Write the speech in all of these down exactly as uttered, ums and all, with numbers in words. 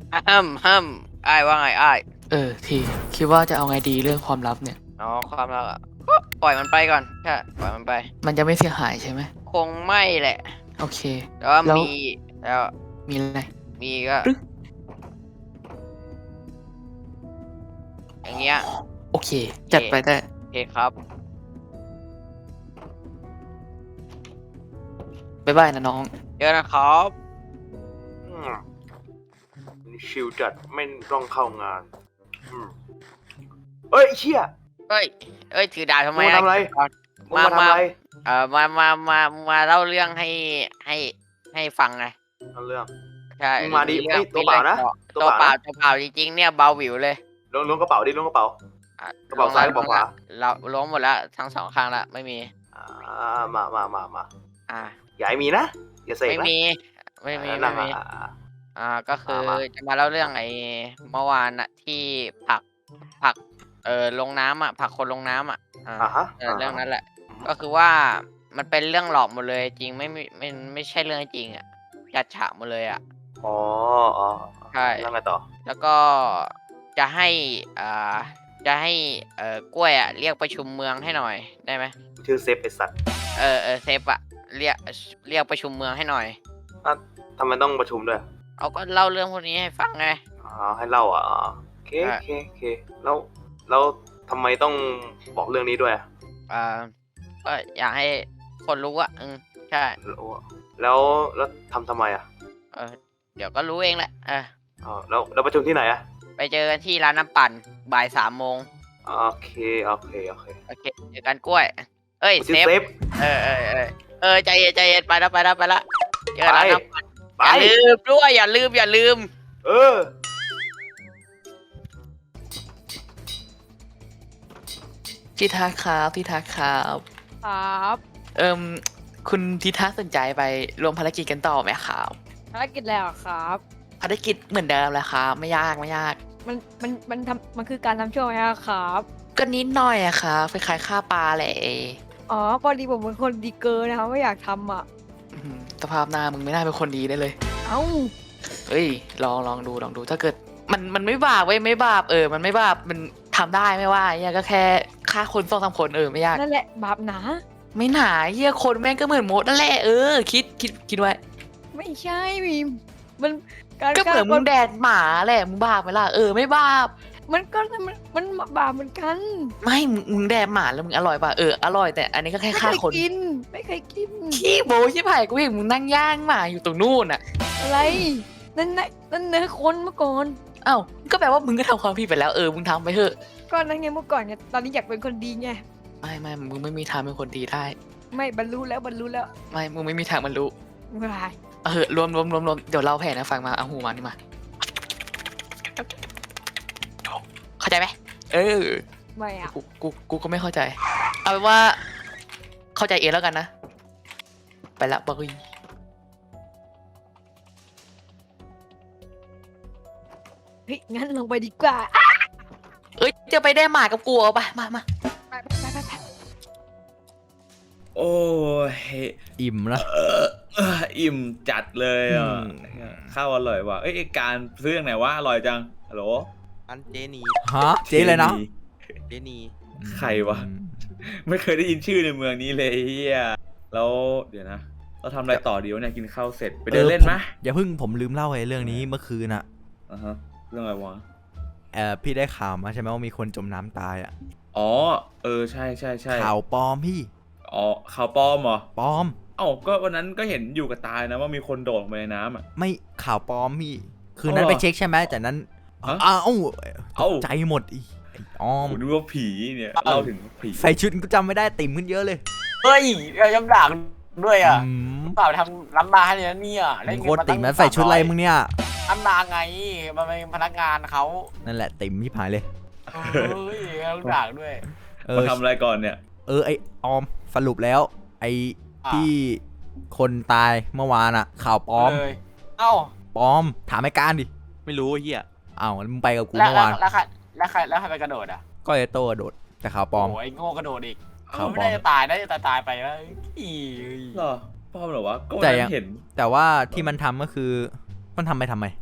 ห้ามห้ามอ้ายว่าไงอ้ายเออทีคิดว่าจะเอาไงดีเรื่องความลับเนี่ยอ๋อความรักอะก็ปล่อยมันไปก่อนใช่ปล่อยมันไปมันจะไม่เสียหายใช่ไหมคงไม่แหละโอเคแต่ว่าแล้วมีแล้วมีอะไรมีก็หรืออย่างเงี้ยโอเคจัดไปได้โอเคครับบ๊ายบายนะน้องเดี๋ยวนะครับอืมนี่ชิลจัดไม่ต้องเข้างานอืมเอ้ยเชี่ยเอ้ยเอ้ยถือดาบทำไมมึงมาทำอะไรก่อนมึงมามามาทำอะไรเอ่อมามามามาเล่าเรื่องให้ให้ให้ฟังไงเอาเรื่องใช่มึงมาดิมีเรื่องเอ้ยตัวมีเปล่านะเรื่องตัวตัวเปเปล่านะล่าตัวเปล่าจริงๆเนี่ยเบาหวิวเลยล้วงล้วงกระเป๋าดิล้วงกระเป๋าอ่ะกระเป๋าซ้ายกระเป๋าขวาเราล้วงหมดแล้วทั้งสองข้างแล้วไม่มีอ่ามามามามาอ่าอย่าให้มีนะอย่าเสกนะไม่มีไม่มีอ่านั่ไม่มีงอ่ะอ่าอ่าก็คือมามาจะมาเล่าเรื่องไอ้เมื่อวานน่ะที่ผลักผลักเอ่อลงน้ำอะผลักคนลงน้ำอะอ่าอ่าฮะเอออ่าเรื่องนั้นแหละอืมก็คือว่ามันเป็นเรื่องหลอกหมดเลยจริงไม่มีไม่ไม่ใช่เรื่องจริงอะจัดฉากหมดเลยอะอ๋ออ๋อใช่แล้วไงต่อแล้วก็จะให้อ่าจะให้เอ่อกล้วยอะเรียกประชุมเมืองให้หน่อยได้ไหมชื่อเซฟไอสัตว์เออเออเซฟอะเรียกเรียกประชุมเมืองให้หน่อยอ่ะทำไมต้องประชุมด้วยเอาก็เล่าเรื่องพวกนี้ให้ฟังไงอ๋อให้เล่าอ่ะอ๋อโอเคโอเคโอเคแล้วแล้วทำไมต้องบอกเรื่องนี้ด้วยอ่ะอ่าก็อยากให้คนรู้อะอืมใช่แล้วแล้วแล้วทำทำไมอ่ะเออเดี๋ยวก็รู้เองแหละเอออ๋อแล้วแล้วประชุมที่ไหนอ่ะไปเจอกันที่ร้านน้ำปั่นบ่ายสามโมงโอเคโอเคโอเคโอเคเจอกันกล้วยเอ้ยเซฟชื่อเซฟเออเออเออเออใจเย็นใจเย็นไปแล้วไปแล้วไปแล้วเจอไปกันร้านน้ำปั่นไปอย่าลืมด้วยอย่าลืมอย่าลืมเออพี่ทักครับพี่ทักครับครับเอิมคุณทิทักสนใจไปรวมภารกิจกันต่อไหมครับภารกิจแล้วครับภารกิจเหมือนเดิมแหละครับไม่ยากไม่ยากมันมันมันทำมันคือการทำช่วไหมอะครับก็นิดหน่อยอะครับคล้ายๆฆ่าปลาแหละอ๋อพอดีผมเป็นคนดีเกินนะครับไม่อยากทำอ่ะอื้อหือสภาพหน้ามึงไม่น่าเป็นคนดีได้เลยเอ้าเฮ้ยลองลองดูลองดูถ้าเกิดมันมันไม่บาปเว้ยไม่บาปเออมันไม่บาปมันทำได้ไม่ว่าเฮียก็แค่ฆ่าคนสองสามคนเออไม่ยากนั่นแหละบาปหนาไม่หนาเฮียคนแม่งก็เหมือนมดนั่นแหละเออคิดคิดคิดไว้ไม่ใช่มีมันการก็เหมือนมึงแดดหมาแหละมึงบาปไหมล่ะเออไม่บาปมันก็มันมันบาปเหมือนกันไม่มึงมึงแดดหมาแล้วมึงอร่อยป่ะเอออร่อยแต่อันนี้ก็แค่ไม่เคฆ่าย คนกินไม่เคยกินขี้โบชิบหายกูเห็นมึงนั่งย่างหมาอยู่ตรงนู่นอ่ะอะไรนั่นนั่นนั่นเนื้อคนเมื่อก่อนอ้าวก็แปลว่ามึงก็ทำความผิดไปแล้วเออมึงทำไปเถอะก็นั่นไงเมื่อก่อนไงตอนนี้อยากเป็นคนดีไงไม่ไม่มึงไม่มีทางเป็นคนดีได้ไม่บรรลุแล้วบรรลุแล้วไม่มึงไม่มีทางบรรลุไม่เป็นไรเออรวมรวมรวมรวมเดี๋ยวเราแผนนะฟังมาเอาหูมานี่มาเข้าใจไหมเออไม่อะกูกูกูก็ไม่เข้าใจเอาเป็นว่าเข้าใจเองแล้วกันนะไปละบอยเฮ้ยงั้นลงไปดีกว่าเอ้ยจะไปได้หมากับกูเอาไปมามาไปไปไปไปโอ้ยอิ่มแล้วเออเอออิ่มจัดเลยอ่ะอืมข้าวอร่อยว่ะเอ้ยไอ้การซื้ออย่างไหนวะอร่อยจังฮัลโหลอันเจนีฮะเจ๊เลยนะเจนีใครวะ ไม่เคยได้ยินชื่อในเมืองนี้เลยเฮียแล้วเดี๋ยวนะเราทำอะไรต่อดีวะเนี่ยกินข้าวเสร็จไปเดินเล่นไหมอย่าเพิ่งผมลืมเล่าไอ้เรื่องนี้เมื่อคืนอะอ่าฮะเรื่องอะไรวะเออพี่ได้ข่าวมาใช่ไหมว่ามีคนจมน้ำตายอะอ๋อเออใช่ใช่ใช่ข่าวปลอมพี่อ๋อข่าวปลอมเหรอปลอมเอ้าก็วันนั้นก็เห็นอยู่กับตายนะว่ามีคนโดดลงไปในน้ำอ่ะไม่ข่าวปลอมพี่ คืนนั้นอ๋อไปเช็คใช่ไหมแต่นั้นฮะอ้าวตเอ้ากใจหมดอีไอ้ออมผมนึกว่าผีเนี่ยเล่าถึงผีใส่ชุดก็จำไม่ได้ติ่มขึ้นเยอะเลยเฮ้ยยังด่าด้วยอ่ะอืมเปล่าทำล้ำมาให้เนี่ยเนี่ยมึงโคตรติ่มแล้วใส่ชุดอะไรมึงเนี่ยล้ำมาไงมันเป็นพนักงานเขานั่นแหละติ่มที่ผายเลยเฮ้ยต้องด่าด้วยเอมาอทำอะไรก่อนเนี่ยเออไอออมสรุปแล้ว ไอที่คนตายเมื่อวานอะข่าวปลอมเลยเอ้าปลอมถามไอ้การดิไม่รู้ไอ้เฮียอ้าวมึงไปกับกูแล้วเมื่อวานแล้วใครแล้วใครแล้วใครไปกระโดดอ่ะก็ไอโต้โดดแต่ข่าวปลอมโอ้ยโง่กระโดดอีกข่าวปลอมไม่ได้จะตายได้จะตายไปแล้วอีเหรอปลอมเหรอวะก็วันแต่นั้ยังนเห็นแต่ว่าที่มันทำก็คือมันทำไปทำไม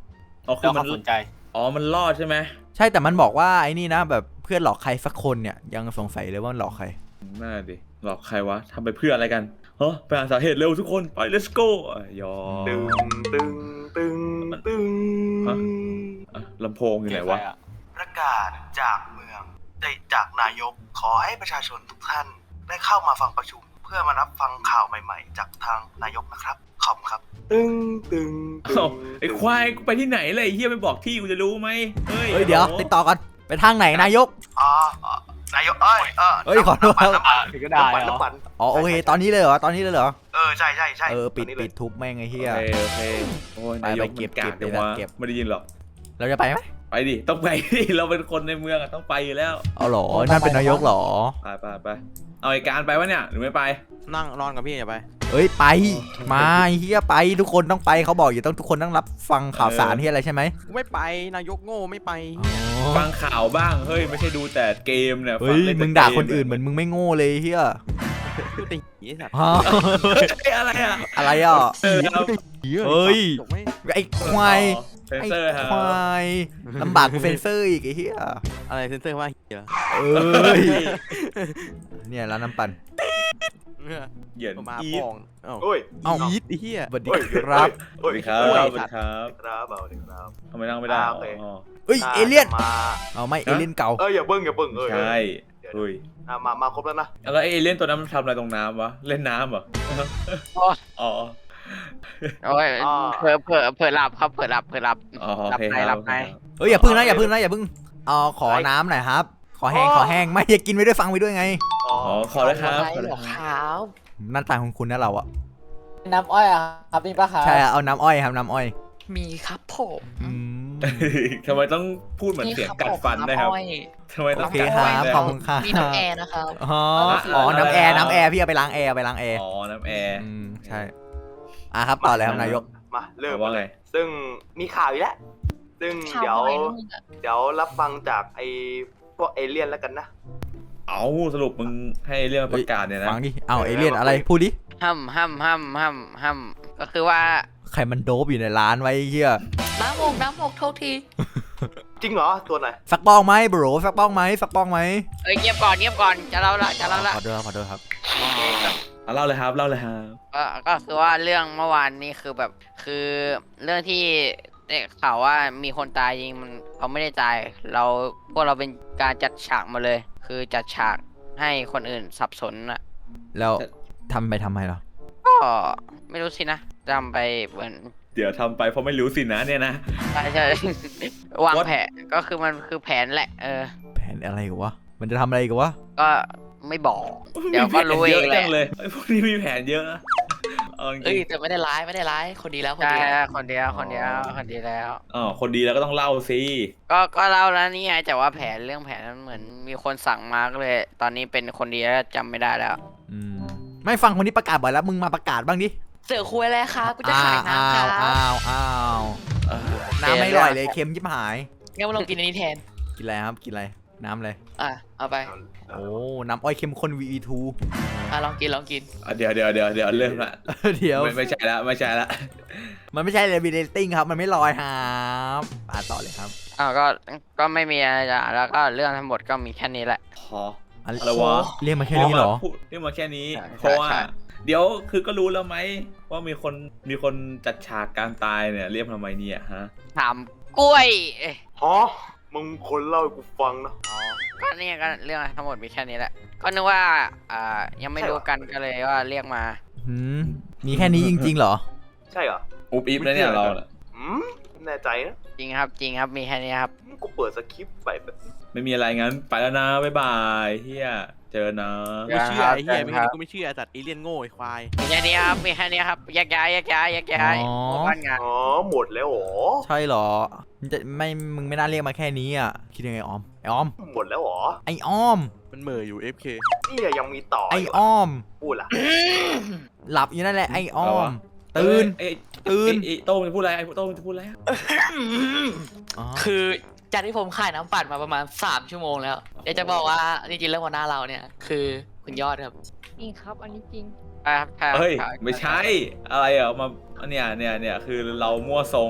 อ๋อคืแล้อวมัเขานสนใจอ๋อมันรอดใช่ไหมใช่แต่มันบอกว่าไอ้นี่นะแบบเพื่อนหลอกใครสักคนเนี่ยยังสงสัยเลยว่ามันหลอกใครน่าดิหลอกใครวะทำไปเพื่ออะไรกันเฮ้ยไปหาสาเหตุเร็วทุกคนไป let's go อ่ะยอตึงตึงตึงตึงฮะอ่ะลำโพงอยู่ไหนวะประกาศจากเมืองได้จากนายกขอให้ประชาชนทุกท่านได้เข้ามาฟังประชุม เพื่อมารับฟังข่าวใหม่ๆ จากทางนายกนะครับขอบคุณครับตึงตึงตึเอ้าง ไอ้ควายกูไปที่ไหนเลยไอ้เฮียไม่บอกที่กูจะรู้ไหมเฮ้ยเฮ้ยเดี๋ยวติดต่อกันไปทางไหนนายกอ๋ออ๋อนายกเอ้ยเออเอ้ยขอโทษครับน้ำปั่นถึงก็ได้น้ำปั่นเหรอน้ำปั่นอ๋อโอเคตอนนี้เลยเหรอตอนนี้เลยเหรอเออใช่ใช่ใช่เออปิดตนนี้ลปิยดทุบแม่งไอ้เหี้ยโอเคโอเคโอ้ยไปนายไปกเก็บมันกากเก็บจังวะเก็บไม่ได้ยินหรอกเราจะไปไหมไปดิต้องไปดิเราเป็นคนในเมืองอะต้องไปอยู่แล้วเอาเหรอนั่นเป็นนายกเหรอไปไปไปเอาไอ้การไปวะเนี่ยหรือไม่ไปนั่งนอนกับพี่อย่าไปเอ้ยไปมาไอ้เหี้ยไปทุกคนต้องไปเขาบอกอยู่ต้องทุกคนต้องรับฟังข่าวสารที่อะไรใช่ไหมกูไม่ไปนายกโง่ไม่ไปอ๋อฟังข่าวบ้างเฮ้ยไม่ใช่ดูแต่เกมเนี่ยเฮ้ยฟัล่แต่มึงด่าเกคนอื่นเหมือนมึงไม่โง่เลยเฮียกูติงไอ้สัตว์ฮะเฮ้ยอะไรอ่ะอะไรอ่ะเออเอาเฮ้ยจบไหมไอ้ควายเซนไอ้เซอร์ฮะควายลำบากกูเซนเซอร์อีกไอ้เหี้ยอะไรเซนเซอร์ว่าเหี้ยเอ้ยเนี่ยร้านน้ำปั่นเหยียดมาอีปทองเอ้าโอ้ยเอ้าอีทไอ้เหี้ยสวัสดีครับสวัสดีครับโอ้ยสวัสดีครับครับเอาเลยครับทำไมนั่งไม่ได้อ่าโอเคอ๋อเอ้ยเอเลี่ยนมาเอาไม่เอเลี่ยนเก่าเอออย่าเบิ้งอย่าเบิ้งเออใช่เฮ้ยอ่ะมามาครบแล้วนะแล้วไอ้เอเลี่ยนตัวนั้นมันทำอะไรตรงน้ำวะเล่นน้ำเหรอโอ้ยอ๋อโอ้ยเผลอเผลอเผลอหลับครับเผลอหลับเผลอหลับอ๋อโอหลับเคในคหรัลับบในเอ้ยอย่าพึ่งนะอย่าพึ่งนะอย่าพึ่งเอาขอน้ำหน่อยครับ ขอแห้งขอแห้งไม่อย่ากินไปด้วยฟังไปด้วยไงอ๋ออ๋อขอแล้วครับอะไรเหรอครับหน้าตาของคุณนะเราอะน้ำอ้อยอะครับนี่ปะครับใช่อะเอาน้ำอ้อยครับน้ำอ้อยมีครับผมอืมทำไมต้องพูดเหมือนเสียงกัดฟันด้วยครับอ้อยทำไมต้โอองเคกัดคฟัรันบด้วยขอบคุณครับมีน้ำแอร์นะครับอ๋ออ๋อน้ำแอร์น้ำแอร์พี่เอาไปล้างแอร์เอาไปล้างแอร์อ๋อน้ำแอร์อืมใช่อ่ะครับต่อเลยครับนายกมาเริ่มว่าไงซึ่งมีข่าวอีกแล้วซึ่งข่าวเดี๋ยวอะไรนะมึงอะเดี๋ยวรับฟังจากไอ้พวกเอเลี่ยนแล้วกันนะเอาสรุปมึงให้เรื่องมาประกาศเนี่ยนะฟังดิเอาเอเลี่ยนอะไรพูดดิห้ำห้ำห้ำห้ำห้ำก็คือว่าใครมันโดบอยู่ในร้านไว้เฮียน้ำหมกน้ำหมกโทษทีจริงเหรอตัวไหนสักป้องไหมบรสักป้องไหมสักป้องไหมเอ้ยเงียบก่อนเงียบก่อนจะเล่าละจะเล่าละขอโทษครับขอโทษครับเอาเล่าเลยครับเล่าเลยครับก็ก็คือว่าเรื่องเมื่อวานนี้คือแบบคือเรื่องที่ได้ข่าวว่ามีคนตายจริงมันเขาไม่ได้ตาย เราพวกเราเป็นการจัดฉากมาเลย คือจัดฉากให้คนอื่นสับสนอ่ะแล้วทำไปทำไมเหรอก็ไม่รู้สินะจำไปเหมือนเดี๋ยวทำไปเพราะไม่รู้สินะเนี่ยนะใช่ใช่ วางแผนก็คือมันคือแผนแหละ เออแผนอะไรกันวะมันจะทำอะไรกันวะก็ไม่บอก เดี๋ยวก็รู้เองแหมีแผนเยอะจัละงเลยไอ้พวกนี้มีแผนเยอะนะเอาจเอ้ริยงแต่ไม่ได้ร้ายไม่ได้ร้ายคนดีแล้วคนใช่ดีแล้วคนเดียวคนเดียวคนเดียวแล้วๆอ๋อคนดีแล้วก็ต้องเล่าสิก็ก็เล่าแล้วนี่ไงแต่ว่าแผนเรื่องแผนนั้นเหมือนมีคนสั่งมาก็เลย ตอนนี้เป็นคนดีแล้วจำไม่ได้แล้วอืมไม่ฟังคนนี้ประกาศบ่อยแล้วมึงมาประกาศบ้างดิเสือคุยแล้วครับกูจะขายน้ำคอ้ารัวอ้าวอ้าวเออน้ำไม่อร่อยเลยเค็มยิบหายงั้นมาลองกินอันนี้แทนกินอะไรครับกินอะไรน้ำอะไรอ่ะเอาไปโอ้น้ำอ้อยเข้มข้น วี อี ทูอ่ะลองกินลองกินอ่ะเดี๋ยวเดี๋ยวเดี๋ยวเดี๋ยวเริ่มละเดี๋ยวไม่ไม่ใช่ละไม่ใช่ละมันไม่ใช่เรบิเดตติ้งครับ มันไม่ลอยครับอ่าต่อเลยครับอ้าวก็ก็ไม่มีอะไรจะแล้วก็เรื่องทั้งหมดก็มีแค่นี้แหละพออะไรอะไรวะเรียกมาแค่นี้เหรอพูดเรียกมาแค่นี้ใช่เพราะว่าใช่เดี๋ยวคือก็รู้แล้วไหมว่ามีคนมีคนจัดฉากการตายเนี่ยเรียกทำไมเนี่ยฮะถามกล้วยเอ้ยฮะมึงคนเล่าให้กูฟังนะก็นี่ก็เรื่องทั้งหมดมีแค่นี้แหละ ก็นึกว่าอ่ายังไม่รู้กันก็เลยว่าเรียกมาหืมมีแค่นี้จริงๆเหรอใช่เหรออุ๊บอิ๊บแล้วเนี่ยเราน่ะอืมแน่ใจนะจริงครับจริงครับมีแค่นี้ครับกูเปิดสคริปต์ไปแบบไม่มีอะไรงั้นไปแล้วนะบ๊ายบายเฮียเจอนะไม่เชื่อไอ้เหี้ยไม่งั้นกูไม่เชื่อไอ้สัตว์เอเลี่ยนโง่ไอ้ควายมีแค่นี้ครับมีแค่นี้ครับแยกย้ายแยกย้ายแยกย้ายอ๋อหมู่บ้านงานอ๋อหมดแล้วเหรอใช่เหรอมันจะไม่มึงไม่น่าเรียกมาแค่นี้อ่ะคิดยังไงออมไอออมหมดแล้วเหรอไอออมมันเหม่ออยู่ เอฟ เคนี่ยังมีต่อไออีกอเหรออมพูดล่ะหลับอยู่นั่นแหละไอออมเอ้ตื่ยนเอ้ยตื่นเอ้ยโต้งจะพูดอะไรไอ้โต้งจะพูดอะไรอะอ๋อคือจากที่ผมขายน้ำปั่นมาประมาณสามชั่วโมงแล้วเดี๋ยวจะบอกว่าจริงๆแล้วหัวหน้าเราเนี่ย คือคุณยอดครับนี่ครับ อันนี้จริงครับครับเฮ้ยครับไม่ใช่อะไรอ่ะมาเนี่ยเนี่ยเนี่ยคือเรามั่วทรงไง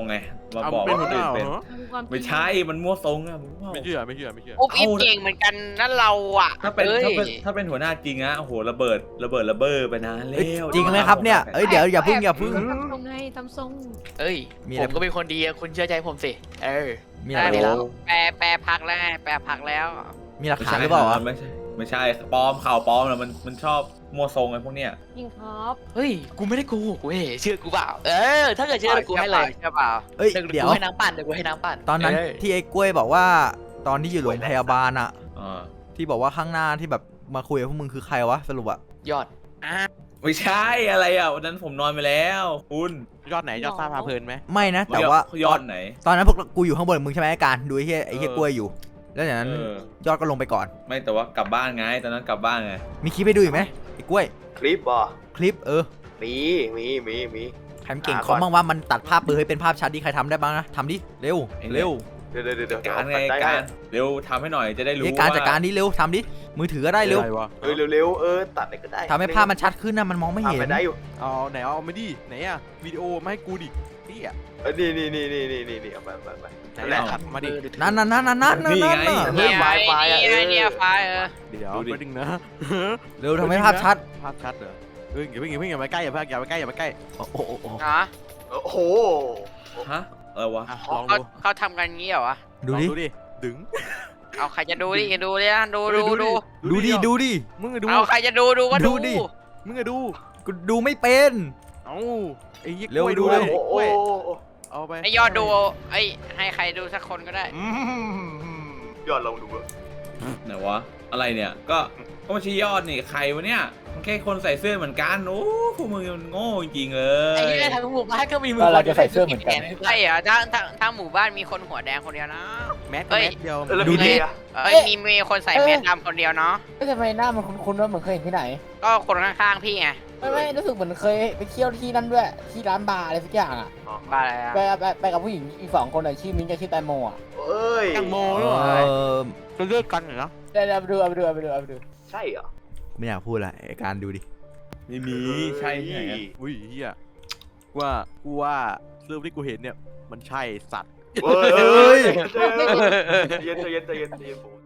มาเอาบอกเป็นว่าหัควน หน้าอื่นเป็นเหรอทำความจริงไม่ใช่มันมั่วทรงอะมึงว่าไม่เชื่อไม่เชื่อไม่เชื่ออุ๊บอิบเก่งเหมือนกันนั่นเราอ่ะถ้าเป็นอ้ยถ้าเป็นถ้าเป็นหัวหน้าจริงอะโอ้โหระเบิดระเบิดระเบ้อไปนานเอ้ยแล้วจริงไหมครับเนี่ยเอ้ยเดี๋ยวอย่าพึ่งอย่าพึ่งทำทรงไงทำทรงเอ้ยมีอะไรผมก็เป็นคนดีอะคุณเชื่อใจผมสิเออมีอะไรได้แล้วแปลแปลพักแล้วไงแปลพักแล้วมีหลักไม่ฐานใช่หรือเปล่าวะไม่ใช่ไม่ใช่ปลอมข่าวปลอมนะมันมันชอบมั่วทรงไอ้พวกเนี้ยจริงครับเฮ้ยกูไม่ได้โกหกเว้ยเชื่อกูเปล่าเออถ้าเกิดเชื่อกูให้เลยใช่เปล่าเอ้ยเดี๋ยวเดี๋ยวกูให้น้ำปั่นเดี๋ยวกูให้น้ำปั่นตอนนั้นเยที่ไอ้กล้วยบอกว่าตอนที่อยู่โรงพยาบาลอะอ่าที่บอกว่าข้างหน้าที่แบบมาคุยกับพวกมึงคือใครวะสรุปอะยอดไม่ใช่อะไรอ่ะวันนั้นผมนอนไปแล้วคุณยอดไหนยอดซ่าพาเพลินไหมไม่นะ แต่ว่ายอดไหนตอนนั้นพวกกูอยู่ข้างบนมึงใช่ไหมไอ้การดูไอ้เหี้ยไอ้เหี้ยเออกล้วยอยู่ แล้วจากนั้นเออยอดก็ลงไปก่อนไม่แต่ว่ากลับบ้านไงตอนนั้นกลับบ้านไงมีคลิปให้ดูอีกไหมไอ้กล้วยคลิปบ่คลิปเออมีมีมีมีใครมันเก่งอ่าคอมก่อนบ้างว่ามันตัดภาพเบลอให้เป็นภาพชัดดิใครทำได้บ้างนะทำดิเร็วเร็วเดี๋ยวเดี๋ยวเดี๋ยวการไงได้การเร็วทำให้หน่อยจะได้รู้เฮ้ยการว่าจัดการดิเร็วทำดิมือถือก็ได้เร็วอะไรวะเออเร็วๆเออตัดอะไรก็ได้ทำให้ภาพมันชัดขึ้นนะมันมองไม่เห็ทำนไปได้อยู่เอาไหนเอาไม่ดิไหนอะวิดีโอมาให้กูดินี่อะเออนี่นี่นี่นี่นี่นี่นี่เอาไปไปไปไหนนั่นแหละเอามาดินั่นนั่นนั่นนั่นนั่นนั่นนี่นั่นไงน่ะเนี่ยไฟไอ้ไฟอะเนี่ยเออเนี่ยไฟเออเดี๋ยวดูดิมาดึงนะเร็วทำให้ภาพชัดภาพชัดเหรอเฮ้ยอย่าเพิ่งอย่าเพิ่งอย่ามาใกล้อย่าเพิ่งอย่ามาใกล้อย่ามาใกล้โอ้โหโอ้โหฮะโอ้โหฮะอะไรวะอ่ะลองเขาดูเขาทำกันงี้เหรอวะดูลองดิดูดิดึงเอาใครจะดูดิดูดินะดูเฮ้ยดูดูดูดิดูดิมึงอะดูเอาใครจะดูดูก็ดูดูดิมึงอะดูกูดูไม่เป็นเอ้าไอ้ยี่กเร็วล้วยดูดูเร็เลวยโอ้โหกล้วยโอ้โหเอาไปไอยอดดูไอยให้ใครดูสักคนก็ได้อืมยอดลองดูอะไหนวะอะไรเนี่ยก็ก็ไม่ใช่ยอดนี่ใครวะเนี่ยมันแค่คนใส่เสื้อเหมือนกันโอ้พวกมึงมันโง่จริงๆเลไอ้ยเหี้ยทางหมู่บ้านก็มีมืก็เราจะใส่เสื้อเหมือนกันใช่เหรอถ้าถ้าถ้าหมู่บ้านมีคนหัวแดงคนเดียวนะแมสเอ้ยแมสเดียวเออแล้วดูมีดิเดียเอ้ยมีมีคนใส่แมสดำคนเดียวเนาะก็ทำไมหน้ามันคุ้นๆว่าเหมือนเคยเห็นที่ไหนก็คนข้างๆพี่ไงไม่ไม่รู้สึกเหมือนเคยไปเที่ยวที่นั่นด้วย ที่ร้านบาร์อะไรสักอย่างอ่ะบ้าอะไรอะไปไปไปกับผู้หญิงอีกสองคนอ่ะชื่อมิ้นท์กับชื่อแตงโมอ่ะเอ้ยแตงโมเอหรือเปล่าอจะเลิกกันเหรอเดี๋ยวเดี๋ยวไปดูเอาไปดูเอาไปดูเอาไปดูใช่เหรอไม่อยากพูดอะไรไอ้การดูดิไม่มีใช่ที่ไหนอะอุ้ยเฮียกูว่ากูว่าเรื่องที่กูเห็นเนี่ยมันใช่สัตว์เฮ้ยใจเย็นใจเย็นใจเย็นใจเย็นผม